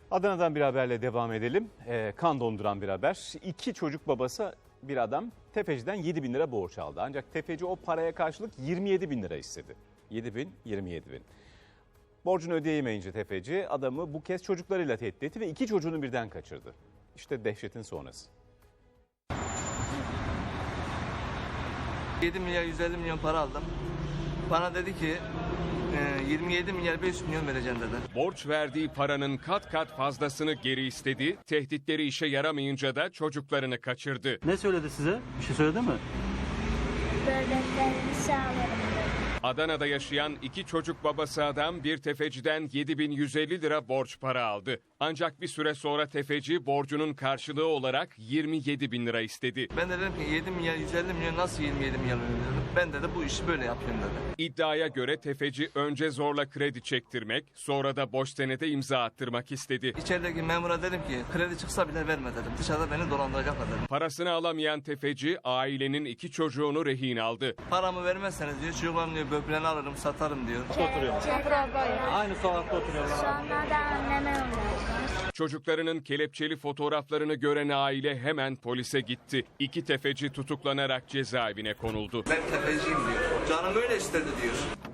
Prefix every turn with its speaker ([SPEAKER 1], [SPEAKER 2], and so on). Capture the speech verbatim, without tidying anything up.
[SPEAKER 1] Adana'dan bir haberle devam edelim. Ee, kan donduran bir haber. İki çocuk babası bir adam tefeciden yedi bin lira borç aldı. Ancak tefeci o paraya karşılık yirmi yedi bin lira istedi. yedi bin, yirmi yedi bin. Borcunu ödeyemeyince tefeci adamı bu kez çocuklarıyla tehdit etti ve iki çocuğunu birden kaçırdı. İşte dehşetin sonrası.
[SPEAKER 2] yedi milyar yüz elli milyon para aldım. Bana dedi ki yirmi yedi milyar beş yüz milyon vereceğim dedi.
[SPEAKER 3] Borç verdiği paranın kat kat fazlasını geri istedi. Tehditleri işe yaramayınca da çocuklarını kaçırdı.
[SPEAKER 4] Ne söyledi size? Bir şey söyledi mi?
[SPEAKER 5] Böbreklerimi sağlarım.
[SPEAKER 3] Adana'da yaşayan iki çocuk babası adam bir tefeciden yedi bin yüz elli lira borç para aldı. Ancak bir süre sonra tefeci borcunun karşılığı olarak yirmi yedi bin lira istedi.
[SPEAKER 2] Ben de dedim ki yedi milyar yüz elli milyon nasıl yirmi yedi milyar veriyorum? Ben de, de bu işi böyle yapıyorum dedi.
[SPEAKER 3] İddiaya göre tefeci önce zorla kredi çektirmek, sonra da boş senede imza attırmak istedi.
[SPEAKER 2] İçerideki memura dedim ki kredi çıksa bile verme dedim. Dışarıda beni dolandıracaklar dedim.
[SPEAKER 3] Parasını alamayan tefeci ailenin iki çocuğunu rehin aldı.
[SPEAKER 2] Paramı vermezseniz diyor çocuklarım diyor böbreğini alırım satarım diyor.
[SPEAKER 4] Aynı sokakta oturuyorlar.
[SPEAKER 5] Sonra da anneme ulaştılar.
[SPEAKER 3] Çocuklarının kelepçeli fotoğraflarını gören aile hemen polise gitti. İki tefeci tutuklanarak cezaevine konuldu.
[SPEAKER 2] Ben tefeciyim diyor. Canım öyle istedi diyor.